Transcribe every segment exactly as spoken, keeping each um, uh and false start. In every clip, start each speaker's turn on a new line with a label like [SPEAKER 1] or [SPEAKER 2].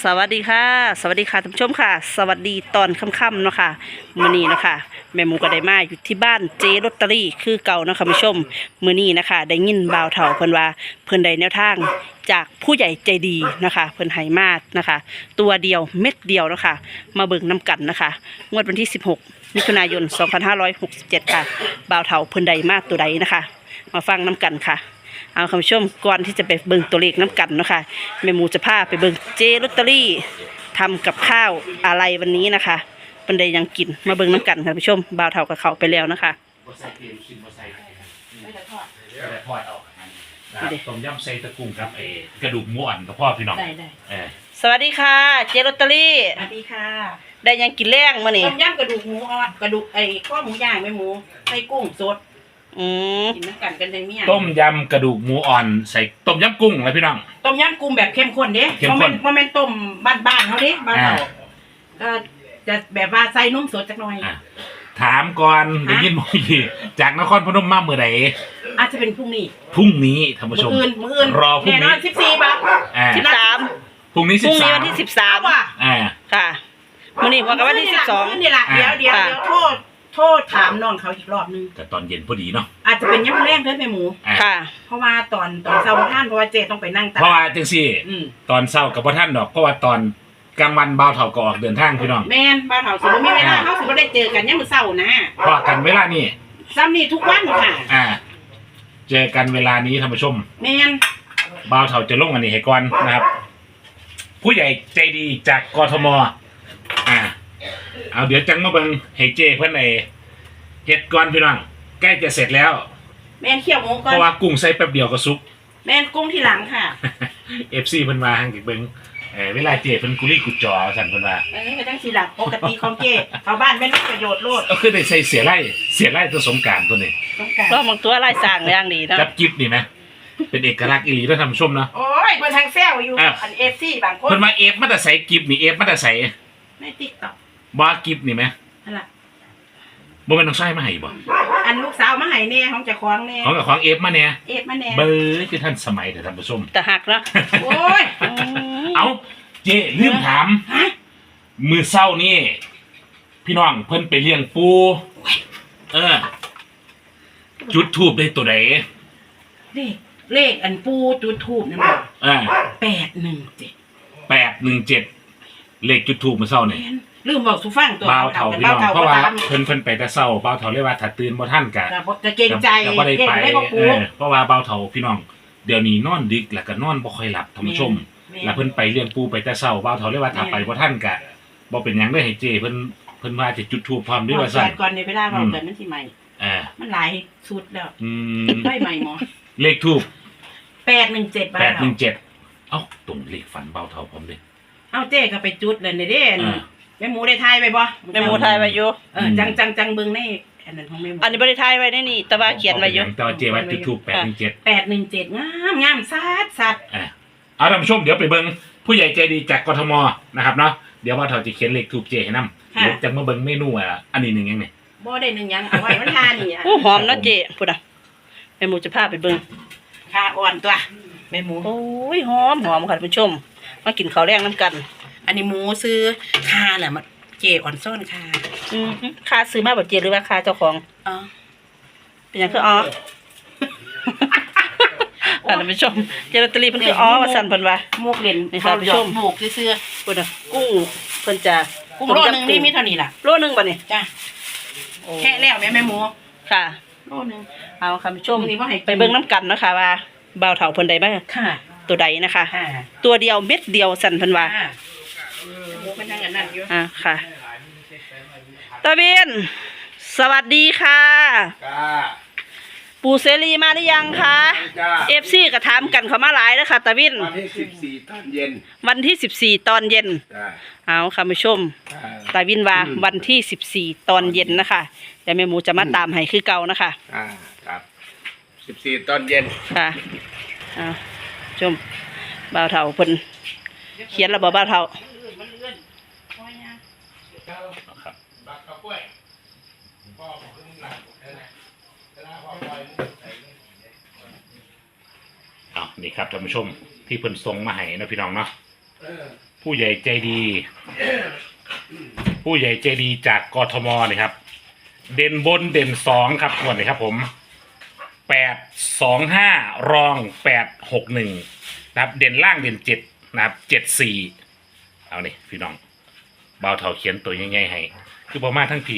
[SPEAKER 1] สวัสดีค่ะสวัสดีค่ะท่านผู้ชมค่ะสวัสดีตอนค่ำๆเนาะค่ะมื้อนี้นะคะแม่หมูก็ได้มาอยู่ที่บ้านเจลอตเตอรี่คือเก่าเนาะค่ะผู้ชมมื้อนี้นะคะได้ยินบ่าวเฒ่าเพิ่นว่าเพิ่นได้แนวทางจากผู้ใหญ่ใจดีนะคะเพิ่นให้มานะคะตัวเดียวเม็ดเดียวเนาะค่ะมาเบิ่งน้ำกันนะคะงวดวันที่สิบหกมิถุนายนสองพันห้าร้อยหกสิบเจ็ดค่ะบ่าวเฒ่าเพิ่นได้มาตัวใดนะคะมาฟังน้ำกันค่ะเอาคุณผู้ชมก่อนที่จะไปเบิ่งตัวเลขน้ำกันเนาะค่ะแม่หมูจะพาไปเบิ่งเจลอตเตอรี่ทำกับข้าวอะไรวันนี้นะคะปันใดยังกินมาเบิ่งน้ำกันค่ะคุณผู้ชมบ่าวเฒ่ากับเขาไปแล้วนะคะ
[SPEAKER 2] ต้มยำใส่ตะกุ้งครับเอกระดูกหมูอ่อนกับพ่อพี่น้อง
[SPEAKER 1] สวัสดีค่ะเจลอตเตอรี่
[SPEAKER 3] สวัสดีค่ะ
[SPEAKER 1] ได้ยังกินแรงมื้อนี้
[SPEAKER 3] ต้มยำกระดูกหมูอ่อนกระดูกไอ้ข้อหมูย่างไม่หมูใส่กุ้งสด
[SPEAKER 1] อืม
[SPEAKER 3] กินน้ำกันกันเลยเนี่ย
[SPEAKER 2] ต้มยำกระดูกหมูอ่อนใส่ต้มยำกุ้งเลยพี่น้อง
[SPEAKER 3] ต้มยำกุ้งแบบเข้มข้นเด้
[SPEAKER 2] เข้มข้น
[SPEAKER 3] เพราะมันต้มบ้านๆเขาเด้บ้านเราก็จะแบบว่าใส่นุ่มสดจักหน่อย
[SPEAKER 2] ถามก่อนได้ยินบ่อีจากนครพนมมาเมื่อไหร่
[SPEAKER 3] อาจจะเป็นพรุ่งนี้
[SPEAKER 2] พรุ่งนี้ท่านผู้ชม
[SPEAKER 3] มื้ออื่นมื้ออื่น
[SPEAKER 2] รอพรุ่งนี้
[SPEAKER 3] สิบสี่บาท
[SPEAKER 1] สิบสาม
[SPEAKER 2] พรุ่งนี้สิบสาม
[SPEAKER 1] วันที่สิบสาม
[SPEAKER 3] ว่ะ
[SPEAKER 1] ค่ะมื้อนี้ว่ากันวันที่สิบสอง
[SPEAKER 3] นี่แหละเดี๋ยวเดี๋ยวเดี๋ยวโทษโทษถามน้องเขาอีกรอบนึง
[SPEAKER 2] แต่ตอนเย็นพอดีเนาะ
[SPEAKER 3] อาจจะเป็นยำแรงเด้อแม่หมู
[SPEAKER 1] ค่ะ
[SPEAKER 3] เพราะว่าตอนตอนเช้าท่านเพราะว่าเจต้องไปนั่งตาก
[SPEAKER 2] เพราะว่าจังซี่ตอนเช้ากับพ่อท่านดอกเพราะว่าตอนกลางวันบ่าวเฒ่าก็ออกเดินทางพี่น้อง
[SPEAKER 3] แม่นบ่าวเฒ่าสิบ่มีเวลาเฮาสิบ่ได้เจอกันยามมื้อเช้านะ
[SPEAKER 2] เพราะกันเวลานี้
[SPEAKER 3] ซ้ำนี่ทุกวันค่ะ
[SPEAKER 2] อ่าเจอกันเวลานี้ท่านผู้ชม
[SPEAKER 3] แม่น
[SPEAKER 2] บ่าวเฒ่าจะลงอันนี้ให้ก่อนนะครับผู้ใหญ่ใจดีจากกทมอ่าเอาเดี๋ยวจังมาเบิ่งให้เจเพิ่นไอ้เฮ็ดก่อนพี่น้องใกล้จะเสร็จแล้ว
[SPEAKER 3] แม่นเคี่ยวหมูก่อน
[SPEAKER 2] เพราะว่ากุ้งใส่แป๊บเดียวก็สุก
[SPEAKER 3] แม่นกุ้งที่หลังค่ะ
[SPEAKER 2] เอฟ ซี เพิ่นมาหั่งสิเบิ่งเอ่อเวลาเจเพิ่นกุลีกุจอสั่นเพิ่นว่า
[SPEAKER 3] เอ้ยก็จังสิล่ะปกติของเจชาวบ้านไม่มีประโยชน์โลด
[SPEAKER 2] เอาคือได้ใส่เสียไร่เสียไร่ตัวสงกรานต์ตัวนี้
[SPEAKER 3] สงกรานต์
[SPEAKER 1] ก็บางตัวลายสร้างอย่างดีเนาะ
[SPEAKER 2] กับกิ๊บนี่มั้ยเป็นเอกลักษณ์อีหลีเด้อท่านผู้ชมเนาะ
[SPEAKER 3] โอ้ยเพิ่นทางแซวอยู่อัน เอฟ ซี บางคน
[SPEAKER 2] เพิ่นมาเอฟมาแต่ใส่กิ๊บนี่เอฟมาแต่ใส่
[SPEAKER 3] ใน TikTok
[SPEAKER 2] บ่กิ๊บนี่มั้ย
[SPEAKER 3] นั่นล่ะ
[SPEAKER 2] บ่แม่นน้องชายมาให้บ่
[SPEAKER 3] อันลูกสาวมาให้แน่ของเจ้าของแน่
[SPEAKER 2] ของกับของเอฟมาแน่
[SPEAKER 3] เอฟมาแน่
[SPEAKER 2] เบ้อคือท่านสมัยเด้อท่านผู้ชม
[SPEAKER 1] แต่หักเนาะ
[SPEAKER 3] โอ้ย
[SPEAKER 2] เอ้าเจลืมถามมื้อเช้านี่พี่น้องเพิ่นไปเลี้ยงปูเออจุดธูปได้ตัวใด
[SPEAKER 3] เลขเลขอันปูจุดธูปนั่นบ่
[SPEAKER 2] อ่า
[SPEAKER 3] แปดหนึ่งเจ็ด
[SPEAKER 2] แปดหนึ่งเจ็ดเลขจุดธูปมื้อเช้านี่
[SPEAKER 3] ลืมบอกสุฟังตัว
[SPEAKER 2] บ่าวเฒ่าพี่น้องเพราะว่าเพิ่นเพิ่นไปแต่เช้าบ่าวเฒ่าเลยว่าถ้าตื่นบ่ทันก็
[SPEAKER 3] จะเกรงใจ
[SPEAKER 2] เก่งได้บ่ปูเพราะว่าบ่าวเฒ่าพี่น้องเดี๋ยวนี้นอนดึกแล้วก็นอนบ่ค่อยหลับท่านผู้ชมแล้วเพิ่นไปเลี้ยงปูไปแต่เช้าบ่าวเฒ่าเลยว่าถ้าไปบ่ทันก็บ่เป็นหยังเด้อให้เจ้เพิ่นเพิ่นว่าจะจุดธูปพร้อมด้วยว่าซั่น
[SPEAKER 3] ก่อนในเวลาเราเกิดมันสิใหม่
[SPEAKER 2] อ่า
[SPEAKER 3] มันหลายชุดแล้ว
[SPEAKER 2] อืม
[SPEAKER 3] ได้ใหม่หมอ
[SPEAKER 2] เลขธูป
[SPEAKER 3] แปดหนึ่งเจ็ดบาท
[SPEAKER 2] แปดหนึ่งเจ็ดเอ้าตรงเลขฝันบ่าวเฒ่าผมเด้
[SPEAKER 3] เอ้าเจ้ก็ไปจุดเลยเด้แม่หมูได้ทายไปบ่
[SPEAKER 1] แม่หมูทายไว้อยู่
[SPEAKER 3] เออจังจังจังเบิ่งในอันนั้นของแม่หมู
[SPEAKER 1] อันนี้บ่ได้ทายไว้ในนี่แต่ว่าเขียนไว้อยู่
[SPEAKER 2] แต่ว่าเจว่าจุดธูปแปดหนึ่งเจ็ด
[SPEAKER 3] แปดหนึ่งเจ็ดงามงามซัดซัด
[SPEAKER 2] อ่าเอาท่านผู้ชมเดี๋ยวไปเบิ่งผู้ใหญ่ใจดีจากกทมนะครับเนาะเดี๋ยวบ่าวเฒ่าจะเขียนเลขธูปเจให้นำเดี๋ยวจังมาเบิ่งเมนูอ่ะอันนี้นึงยังนี่
[SPEAKER 3] บ่ได้นึงยังเอาไว้มันทานี่อ่ะ
[SPEAKER 1] โอ้หอมนะเจพุ่นน่ะแม่หมูจะพาไปเบิ่ง
[SPEAKER 3] ค่าอ่อนตัวแม่หมู
[SPEAKER 1] โอ้ยหอมหอมค่ะท่านผู้ชมมากินข้าวแรงน้ำกัน
[SPEAKER 3] อันนี้หมูซื้อค่าแหละมันเจอ่อนซ่อนค่า
[SPEAKER 1] อืมค่าซื้อมาบ่เจหรือว่าค่าเจ้าของ
[SPEAKER 3] อ๋อ
[SPEAKER 1] เป็นหยังคืออ๋อท่านผู้ชมเจลอตเตอรี่เพิ่นคืออ๋อว่าซั่นเพิ่นว่า
[SPEAKER 3] หมกเล่น
[SPEAKER 1] นี่ค่ะท่านผู้ชม
[SPEAKER 3] หมกซื่อ
[SPEAKER 1] ๆพุ่นน่ะกุ้งเพิ่นจะ
[SPEAKER 3] กุ้งโลนึงนี่มีเท่านี้ล่ะ
[SPEAKER 1] โลนึงบ่นี่
[SPEAKER 3] จ้ะแค่แล้วแม่แม่หมู
[SPEAKER 1] ค่ะ
[SPEAKER 3] โลนึง
[SPEAKER 1] เอาค่ะผู้ชมไปเบิ่งน้ำกันเนาะค่ะว่าบ่าวเฒ่าเพิ่นได้มา
[SPEAKER 3] ค่ะ
[SPEAKER 1] ตัวใดนะคะตัวเดียวเม็ดเดียวสั่นเพิ่นว่าอ่าค่ะตาเบียนสวัสดีค่ะปู่เสรีมาหรือยังคะเอฟซีก็ถามกันเขามาหลายแล้วค่ะตาวิน
[SPEAKER 4] วันที่สิบสี่ตอนเย็น
[SPEAKER 1] วันที่สิบสี่ตอนเย็นเอาค่ะผู้ชมตาวินว่าวันที่สิบสี่ตอนเย็นนะคะแต่แม่หมูจะมาตามให้คือเก่านะคะ
[SPEAKER 4] อ่าครับสิบสี่ตอนเย็น
[SPEAKER 1] ค่ะเอาชมบ่าวเฒ่าเพิ่นเขียนแล้วบ่บ่าวเฒ่า
[SPEAKER 2] อ้าวนี่ครับท่านผู้ชมที่เพิ่นส่งมาให้นะพี่น้องเนาะผู้ใหญ่ใจดี ผู้ใหญ่ใจดีจากกทมนี่ครับ เด่นบนเด่นสองครับงวดนี้ครับผมแปดสองห้ารองแปดหกหนึ่งนะครับเด่นล่างเด่นเจ็ดนะครับเจ็ดสี่เอานี่พี่น้องเบาเท่าเขียนตัวง่ายๆให้คือประมาณทั้งพี่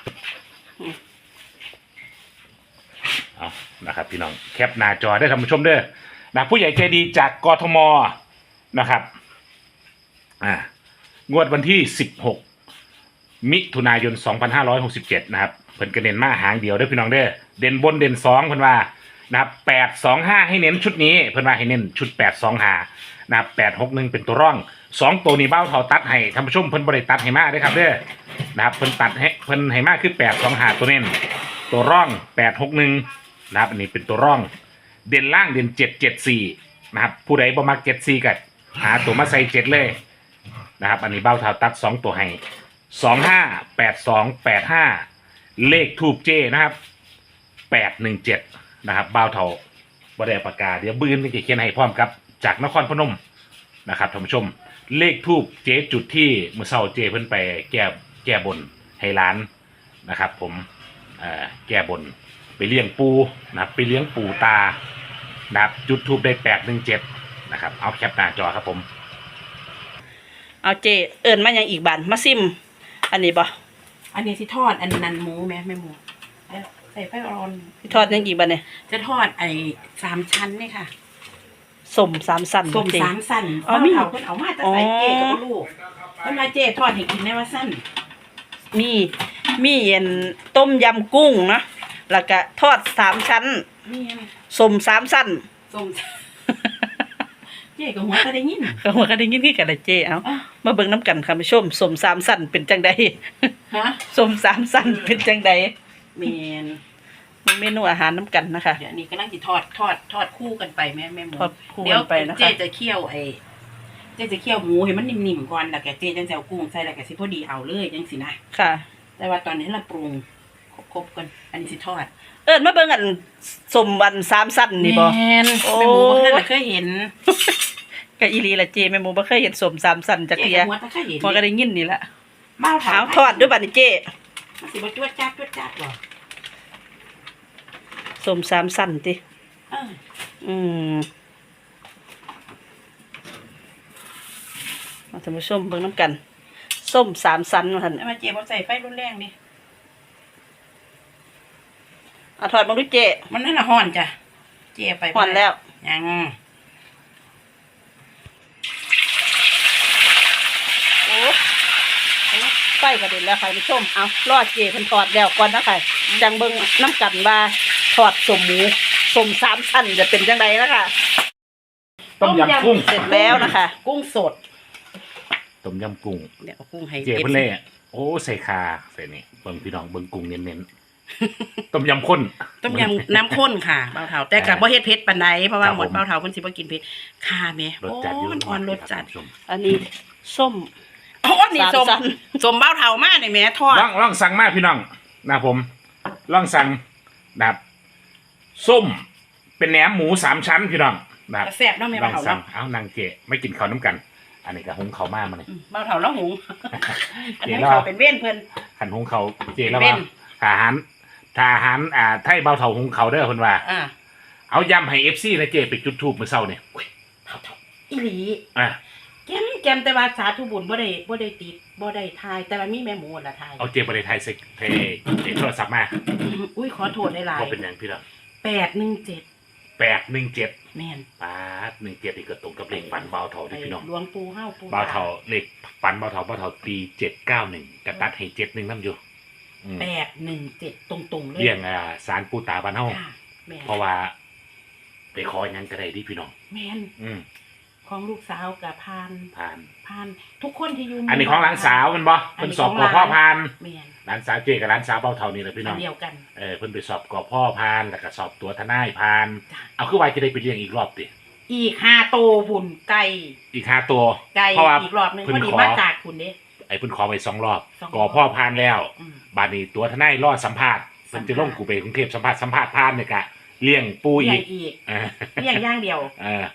[SPEAKER 2] เอานะครับพี่น้องแคปหน้าจอได้ท่านผู้ชมเด้อนะผู้ใหญ่ใจดีจากกทมนะครับอ่างวดวันที่สิบหกมิถุนายนสองพันห้าร้อยหกสิบเจ็ดนะครับเพิ่นกระเด็นมาหางเดียวเด้อพี่น้องเด้อเด่นบนเด่นสองเพิ่นว่านะครับแปดสองห้าให้เน้นชุดนี้เพิ่นว่าให้เน้นชุดแปดสองห้านะครับแปดหกหนึ่งเป็นตัวร่องสองตัวนี้เบ้าเท่าตัดให้ท่านผู้ชมเพิ่นบริตัดให้มาเด้อครับเด้อนะครับเพิ่นตัดให้เพิ่นให้มาคือแปดสองห้าตัวเน้นตัวร่องแปดหกหนึ่งนะครับอันนี้เป็นตัวร่องเด่นล่างเด่นเจ็ดเจ็ดสี่นะครับผู้ใดบ่มักเจ็ดสี่ก็หาตัวมาใส่เจ็ดเลยนะครับอันนี้เบ้าเท่าตัดสองตัวให้สองห้าแปดสองแปดห้าเลขทูบเจนะครับแปดหนึ่งเจ็ดนะครับเบ้าเท่าบริปากกาเดี๋ยวบื้นจะเขียนให้พร้อมครับจากนครพนมนะครับท่านผู้ชมเลขทูบเจจุดที่เมื่อเช้าเจเพิ่นไปแก้แก้บนให้ร้านนะครับผมเอ่อแก้บนไปเลี้ยงปูนะครับไปเลี้ยงปูตานะครับจุดทูบได้แปดหนึ่งเจ็ดนะครับเอาแคปหน้าจอครับผม
[SPEAKER 1] เอาเจเอิญมาอย่างอีกบานมาซิม อันนี้บ่
[SPEAKER 3] อันนี้สิทอดอันนั้นหมูแม่แม่หมูแล้วใส่ไฟอ่อน
[SPEAKER 1] ทอดยังอีกบานเนี่ย
[SPEAKER 3] จะทอดไอ้สามชั้นนี่ค่ะ
[SPEAKER 1] สมสามสัน
[SPEAKER 3] ส้ม
[SPEAKER 1] เจ
[SPEAKER 3] สามสั้น
[SPEAKER 1] อ๋อมี
[SPEAKER 3] เขาเพิ่นเอามาแต่ใส่เจกับลูกเพิ่นมาเจทอดให้กินได้ว่าสั้น
[SPEAKER 1] มีมีเย็นต้มยำกุ้งเนาะแล้วก็ทอดสามชั้น
[SPEAKER 3] นี่
[SPEAKER 1] สมสามสัน
[SPEAKER 3] ส้ม เจกับหัวก็ได้ยิน
[SPEAKER 1] ก็หัวก็ได้ยินคือกันละเจเอา
[SPEAKER 3] อ่ะ
[SPEAKER 1] มาเบิ่งน้ำกันค่ะผู้ชมสมสามสันเป็นจังใด
[SPEAKER 3] ฮะ
[SPEAKER 1] สมสามสันเป็นจังใด
[SPEAKER 3] เมน
[SPEAKER 1] มีเมนูอาหารน้ำกันนะคะ
[SPEAKER 3] เดี๋ยวนี้กำลังสิทอดทอดทอดคู่กันไปแม่แม่หมู
[SPEAKER 1] ทอดคู่
[SPEAKER 3] เดี๋ยว
[SPEAKER 1] กันไปนะคะ
[SPEAKER 3] เจจะเคี่ยวไอ้เจจะเคี่ยวหมูให้มันนิ่มๆก่อนแล้วก็เจจังจะเอากุ้งใส่แล้วก็สิพอดีเอาเลยจังสินะ
[SPEAKER 1] ค่ะ
[SPEAKER 3] แต่ว่าตอนนี้เราปรุงครบๆกันอันนี้สิทอด
[SPEAKER 1] เอิญมาเบิ่งอันสมวันสามสันนี่บ่
[SPEAKER 3] แม่น
[SPEAKER 1] โอ้
[SPEAKER 3] แม่หมูบ่เคยเคยเห็น
[SPEAKER 1] ก็อีหลีละเจแม่หมูบ่เคยเห็นสมสามสันจัก
[SPEAKER 3] เจ
[SPEAKER 1] เทีย
[SPEAKER 3] กับหัวตะเคยเห็น
[SPEAKER 1] พอก็ได้ยินนี่ละ
[SPEAKER 3] บ้าวถา
[SPEAKER 1] เอา
[SPEAKER 3] ม
[SPEAKER 1] ทอดด้วยบัดนี้เจ
[SPEAKER 3] มันสิบ่จวดจ้าดจวดจ้าดหรอ
[SPEAKER 1] สมสามสันติ
[SPEAKER 3] เออ
[SPEAKER 1] อืมมาท่านผู้ชมเบิ่งน้ำกัน ส้มสามสันมาท่าน
[SPEAKER 3] แล้วมาเจบ่ใส่ไฟรุนแรงดิ
[SPEAKER 1] เอาทอดมาดูเจ
[SPEAKER 3] มันนั่นน่ะฮ้อนจ้ะเจไป
[SPEAKER 1] ห่อนแล้ว
[SPEAKER 3] ยัง
[SPEAKER 1] โอ้ไฟกระเด็นแล้วค่ะท่านผู้ชมเอารอดเจเพิ่นทอดแล้วก่อนนะค่ะจังเบิ่งน้ำกันว่าทอดสมหมูสมสามสันจะเป็นจังไดนะคะ
[SPEAKER 2] ต้มยำกุ้ง
[SPEAKER 1] เสร็จแล้วนะคะ
[SPEAKER 3] กุ้งสด
[SPEAKER 2] ต้มยำกุ้ง
[SPEAKER 3] เดี๋ยวเอากุ้งให้
[SPEAKER 2] เจ๊เพิ่นเล่โอ้ใส่คาใส่นี่เบิ่งพี่น้องเบิ่งกุ้งเน้นๆ ต้มยำข้น
[SPEAKER 3] ต้มยำน้ำข้นค่ะเบาเถาแต่กับบ่เฮ็ดเผ็ดปานใดเพราะว่า
[SPEAKER 2] ครับ
[SPEAKER 3] หมด
[SPEAKER 2] ผม
[SPEAKER 3] เบาเถาเพิ่นสิบ่กินเผ็ดค่ะแม่
[SPEAKER 2] รส
[SPEAKER 3] โอ้
[SPEAKER 2] จัดอยู่
[SPEAKER 3] มันอ่อนรสจัด
[SPEAKER 2] ท่านผู้ชม
[SPEAKER 1] อันนี้ส้ม
[SPEAKER 3] โอ้นี่สม
[SPEAKER 1] สามชั้น
[SPEAKER 3] สมเบาเถามานี่แม่ทอด
[SPEAKER 2] ลองลองสั่งมาพี่น้องนะครับผมลองสั่งนะครับส้มเป็นแหนมหมูสามชั้นพี่น้องนะครับ
[SPEAKER 3] แซ่บเนาะแม่
[SPEAKER 2] ล
[SPEAKER 3] เบา
[SPEAKER 2] อง
[SPEAKER 3] เถา
[SPEAKER 2] สั่ง
[SPEAKER 3] เนาะ
[SPEAKER 2] เอานางเจไม่กินข้าวน้ำกัน อันนี้ก็หุงข้าวมามาเลย
[SPEAKER 3] อืมเบาเถาแล้วหุงอัน
[SPEAKER 2] เจ
[SPEAKER 3] นั้น
[SPEAKER 2] แล้ว
[SPEAKER 3] เขาเป็นเว้นเพิ่น
[SPEAKER 2] ขันหุงเขาวเจแล้ว
[SPEAKER 3] เป็
[SPEAKER 2] ว่าน ทหารทหารอ่าไทยเบาเถาหุงเขาวเด้อคนว่า
[SPEAKER 3] อ่า
[SPEAKER 2] เอายำให้เอฟซีนะเจไปจุดทูบเมื่อเช้าเนี่ยอุ้ย
[SPEAKER 3] เบาเถาอีหลี
[SPEAKER 2] อ่ะ
[SPEAKER 3] แกมแกมแต่ว่าสาธุบุญบ่ได้บ่ได้ติดบ่ได้ทาย แต่ว่ามีแม่หมูละทาย
[SPEAKER 2] เอาเจไปในไทยเซ็กเทเจโทรศัพท์มา
[SPEAKER 3] อุ้ยขอโทษได้หลาย
[SPEAKER 2] ก็เป็นอย่างพี่น้อง
[SPEAKER 3] แปดหนึ่งเจ็ด
[SPEAKER 2] แปดหนึ่งเจ็ด
[SPEAKER 3] แม่น
[SPEAKER 2] ปาดหนึ่งเจ็ดอีกก็ตรงกับเลขฟันเบาเถา
[SPEAKER 3] ไอ้
[SPEAKER 2] ที่พี่น้อง
[SPEAKER 3] หลวงปู่เฮาปู่
[SPEAKER 2] เบาเถาเลขฟันเบาเถาเบาเถาตีเจ็ดเก้าหนึ่งกระตัดให้เจ็ดหนึ่งน้ำอยู่อืม
[SPEAKER 3] แปดหนึ่งเจ็ดตรงๆเลย
[SPEAKER 2] เรียงอ่าสารปูตาบ้านเฮา
[SPEAKER 3] ค่ะแม่น
[SPEAKER 2] เพราะว่า ไปขออย่างนั้นก็ได้ที่พี่น้อง
[SPEAKER 3] แม่น
[SPEAKER 2] อืม
[SPEAKER 3] ของลูกสาวกับพาน
[SPEAKER 2] ผ่าน
[SPEAKER 3] พานทุกคนที่อยู่
[SPEAKER 2] อันนี้ของหลานสาวมันบ่เพิ่นสอบกอพ่อพาน
[SPEAKER 3] แม่น
[SPEAKER 2] หลานสาวเจกับหลานสาวเบาเถานี่แหละพี่น้
[SPEAKER 3] อั
[SPEAKER 2] อน ง
[SPEAKER 3] เดียวกัน
[SPEAKER 2] เออเพิ่นไปสอบกอพ่อพานแล้วก็สอบตัวทนายพาน
[SPEAKER 3] จ้ะ
[SPEAKER 2] เอาคือว่าจะได้ไปเรียงอีกรอบดิ
[SPEAKER 3] อีกห้าโตหุ่นไก่
[SPEAKER 2] อีกห้าตัว
[SPEAKER 3] ไก่
[SPEAKER 2] เพราะว่า
[SPEAKER 3] อีกรอบหนึง
[SPEAKER 2] เพิ่
[SPEAKER 3] พอน ดี
[SPEAKER 2] ขอ
[SPEAKER 3] มาจากคุณเด้
[SPEAKER 2] ไอ้เพิ่นขอไปสองรอบ
[SPEAKER 3] สองรอบ
[SPEAKER 2] กอพ่อพานแล้ว
[SPEAKER 3] อืม
[SPEAKER 2] บาดนี้ตัวทนายรอดสัมภาษณ์เพิ่นจะลงกูไปกรุงเทพสัมภาษณ์สัมภาษณ์พานเนี่ยกะเลี้ยงปู
[SPEAKER 3] เลี้
[SPEAKER 2] อี
[SPEAKER 3] ยง
[SPEAKER 2] ก
[SPEAKER 3] อีก
[SPEAKER 2] เออ
[SPEAKER 3] เลี้ยงอย่างเดียว
[SPEAKER 2] เออ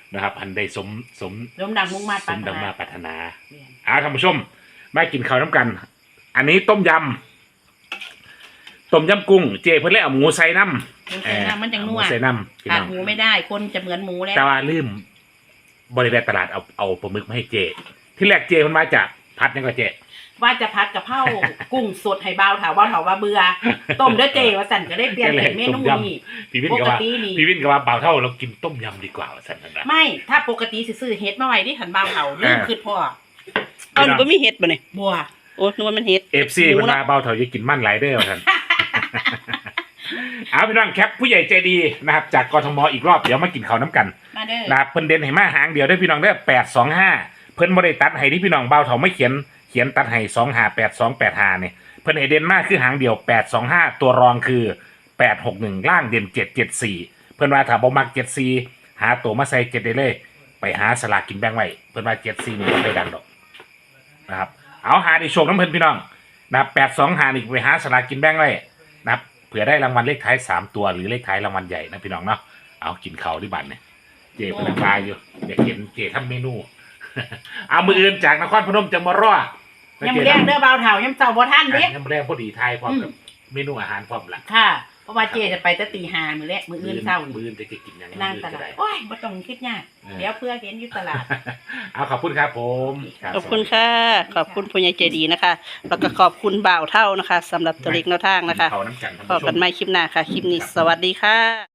[SPEAKER 2] นะครับอันได้สมสม
[SPEAKER 3] ลมดังมุ่งมา
[SPEAKER 2] ส
[SPEAKER 3] ปราร
[SPEAKER 2] ม
[SPEAKER 3] ถ
[SPEAKER 2] ดัง
[SPEAKER 3] นา
[SPEAKER 2] มาปรารถนา
[SPEAKER 3] แม่น
[SPEAKER 2] เอาท่านผู้ชมมากินข้าวน้ำกัน อันนี้ต้มยำต้มยำกุ้งเจเพิ่นเลยเอาหมูใส่น้ำ
[SPEAKER 3] มันจะน้ำมันจัง
[SPEAKER 2] เอาห
[SPEAKER 3] นั
[SPEAKER 2] มู
[SPEAKER 3] ว
[SPEAKER 2] ใส่น้ำพี่
[SPEAKER 3] ขาด
[SPEAKER 2] น้อง
[SPEAKER 3] หมูไม่ได้คนจะเหมือนหมูแล้ว
[SPEAKER 2] แต่ว่าลืมบริเวณตลาดเอาเอาปลาหมึกมาให้เจ ที่แรกเจมันมาจากพัดยังก็เจ
[SPEAKER 3] ว่าจะพัดกะเพรา กุ้งสดให้เบาเถาเบาเถาว่าเบื่อต้มเด้อเจว่าสั่นก็ได้เปลี่ยนเป็นเมนูนี้
[SPEAKER 2] พี่วิน
[SPEAKER 3] ป
[SPEAKER 2] ก็
[SPEAKER 3] ก
[SPEAKER 2] ว่า
[SPEAKER 3] ตินี่
[SPEAKER 2] พี่วินก็ว่าเบาเท่าเรากินต้มยำดีกว่าว่าสันนั่นนะ
[SPEAKER 3] ไม่ถ้าปกติสิซื้อเฮ็ดมาไว้ที่หันเบาเถาลืมคือพ่อ
[SPEAKER 1] เอาหนูบ่มีเห็ดบ่เนี่ย
[SPEAKER 3] บัว
[SPEAKER 1] โอ้นึกว่ามันเห็ด
[SPEAKER 2] เอฟซีมันมาเบาเท่าจะกินมั่นหลายเด้อว่าสัน เอาพี่น้องแคปผู้ใหญ่ใจดีนะครับ จากกทมอีกรอบเดี๋ยวมากินข้าวน้ำกัน
[SPEAKER 3] มาเด้อ
[SPEAKER 2] นะครับเพิ่นเด่นให้มาหางเดียวได้อพี่น้องได้แปดสองห้าเพิ่นบ่ได้ตัดให้ที่พี่น้องเบาเท่าไม่เขียนเขียนตัดให้สองห้าแปดสองแปดห้าเนี่ยเพิ่นให้เด่นมากคือหางเดียวแปดสองห้าตัวรองคือแปดหกหนึ่งล่างเด่นเจ็ดเจ็ดสี่เพิ่นว่าถ้าบ่มักเจ็ดสี่หาตัวมาใส่เจ็ดได้เลย ไปหาสลากกินแบ่งไว้เพิ่นว่าเจ็ดสี่นี่บ่ได้ดังดอกนะครับเอาหาในโชคน้ำเพิ่นพี่น้องนะครับแปดสองหานี่ไปหาสลากกินแบ่งไว้นะครับเผื่อได้รางวัลเลขท้ายสามตัวหรือเลขท้ายรางวัลใหญ่นะพี่น้องเนาะเอากินข้าวที่บ้านเนี่ย เจพนักงานอยู่อยากเห็นเจทำเมนู เอามืออื่นจากนครพนมจะมารอด
[SPEAKER 3] ยังบ่แรงเด้อเบาเถายังเจ้าบ่ทันเด้
[SPEAKER 2] ยังแรงพอดีไทยพร้อมกับเมนูอาหารพร้อมละ
[SPEAKER 3] ค่ะ เพราะว่าเจจะไปแต่ตีห้ามื้อแรกมื้ออื่นเช้า
[SPEAKER 2] มือ
[SPEAKER 3] นี่
[SPEAKER 2] อื่นจะกินอย่าง
[SPEAKER 3] นั่งตลาดโอ้ยบ่ต้องคิดยากเดี๋ยวเพื่อเห็นอยู่ตลาด
[SPEAKER 2] เอาขอบคุณครับผมรับ
[SPEAKER 1] ขอบคุณค่ะ ขอบคุณผู้ใหญ่ใจดีนะคะ แล้วก็ขอบคุณบ่าวเท่านะคะสำหรับตัวเล็กแนวทางนะคะ
[SPEAKER 2] เขาน้ำกันท่าน
[SPEAKER 1] พบ
[SPEAKER 2] ผู้ช
[SPEAKER 1] กัน
[SPEAKER 2] ม
[SPEAKER 1] ใหม่คลิปหน้าค่ะ คลิปนี้สวัสดีค่ะ